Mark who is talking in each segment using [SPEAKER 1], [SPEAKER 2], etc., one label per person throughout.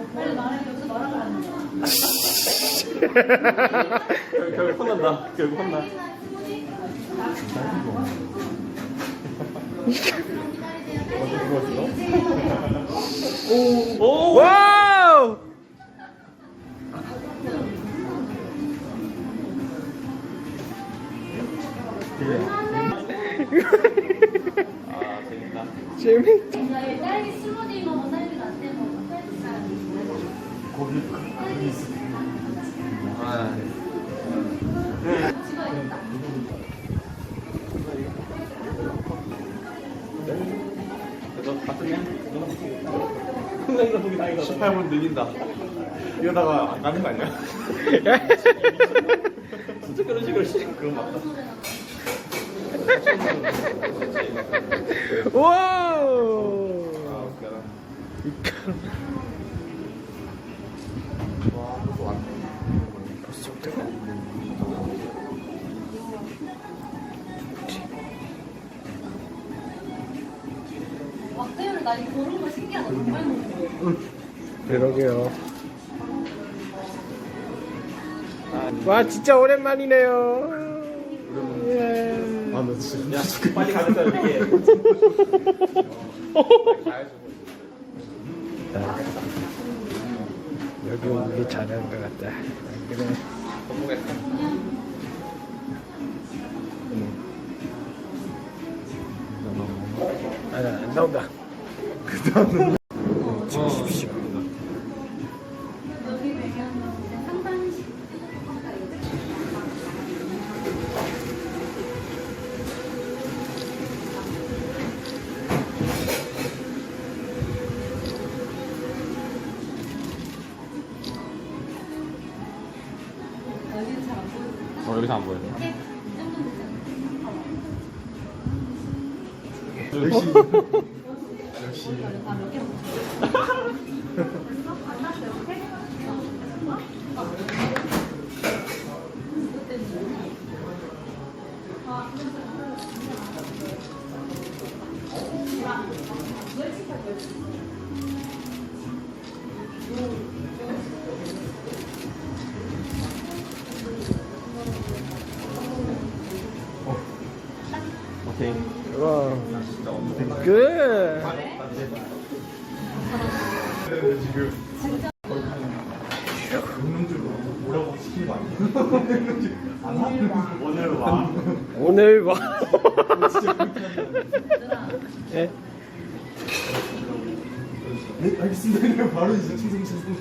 [SPEAKER 1] 빨리 말해. 여기서 말하면 안 돼.
[SPEAKER 2] 결국 혼난다. 결국 혼나. 오!
[SPEAKER 3] 와우!
[SPEAKER 2] 아, 재밌다.
[SPEAKER 3] 재밌다.
[SPEAKER 1] 딸기 스무디 먹어. 딸기 라떼 먹어.
[SPEAKER 2] 거기 있어. 아.
[SPEAKER 1] 찍어야겠다.
[SPEAKER 2] 너 같은 흥나이가 보기 나이가 18분 늘린다. 이러다가 안 가는 거 아니야? 진짜 그런 식으로 시키는 그런 거 맞다.
[SPEAKER 3] 와우!
[SPEAKER 2] 아, 웃겨라. 와, 벌써 왔네.
[SPEAKER 3] 벌써부터?
[SPEAKER 1] 막대를 나 이거 고른 거 신기하다. 정말 먹는 거.
[SPEAKER 3] 그러게요. 와, 진짜 오랜만이네요. 예.
[SPEAKER 2] 아, 너 진짜. 야, 빨리 가겠다, 이게.
[SPEAKER 3] 여기 오는 게 잘하는 것 같다. 그래.
[SPEAKER 2] 성공했다.
[SPEAKER 3] 안 나온다. 그 다음은 찍으십시오.
[SPEAKER 1] 여기 배경은 상반신. 여기는 잘 안 보여.
[SPEAKER 2] 여기서 안 보여.
[SPEAKER 1] 이렇게 정도 되잖아.
[SPEAKER 2] 역시.
[SPEAKER 1] 아몇 개 먹었어?
[SPEAKER 2] 오케이.
[SPEAKER 3] 와,
[SPEAKER 2] 진짜 없는
[SPEAKER 3] 굿.
[SPEAKER 2] 지금 운동주로 뭐라고 시키는 거 아니야? 오늘 와.
[SPEAKER 3] 오늘 봐. 예?
[SPEAKER 2] 네, 알겠습니다. 이러면 바로 이제 충성충성.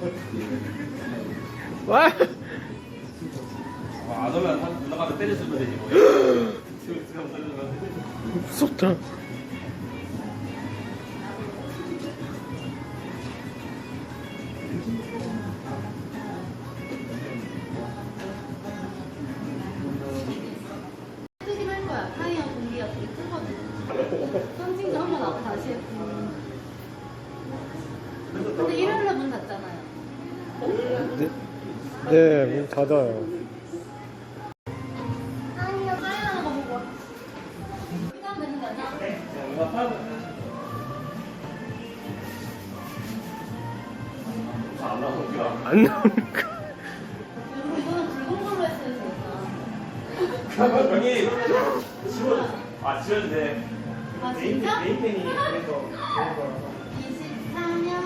[SPEAKER 3] 와.
[SPEAKER 2] 안 오면 한 누나가 때려주면 되지 뭐.
[SPEAKER 3] 무섭다.
[SPEAKER 1] 크긴 할 거야. 타이어 공기가 되게 크거든. 펀칭도 한번 하고 다시 했고. 근데 일요일에 문 닫잖아요.
[SPEAKER 3] 네, 네, 문 닫아요.
[SPEAKER 1] 아니요, 사인하는 거 보고. 시간 되는 거 아니야?
[SPEAKER 2] 안 나오니까.
[SPEAKER 3] 안 나오니까.
[SPEAKER 1] 여러분, 이거는 붉은 걸로 했어야 되겠다.
[SPEAKER 2] 여기 지워도 돼.
[SPEAKER 1] 아, 진짜?
[SPEAKER 2] 메인펜이 그래서
[SPEAKER 1] 24년.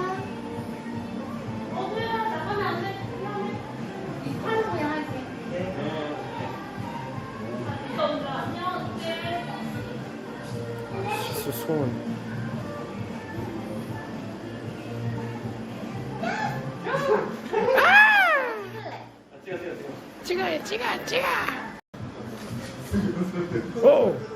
[SPEAKER 1] 뭐야, 나가면 안 돼. 28로 그냥 할게.
[SPEAKER 3] 손. 찍어요, 찍어. 오!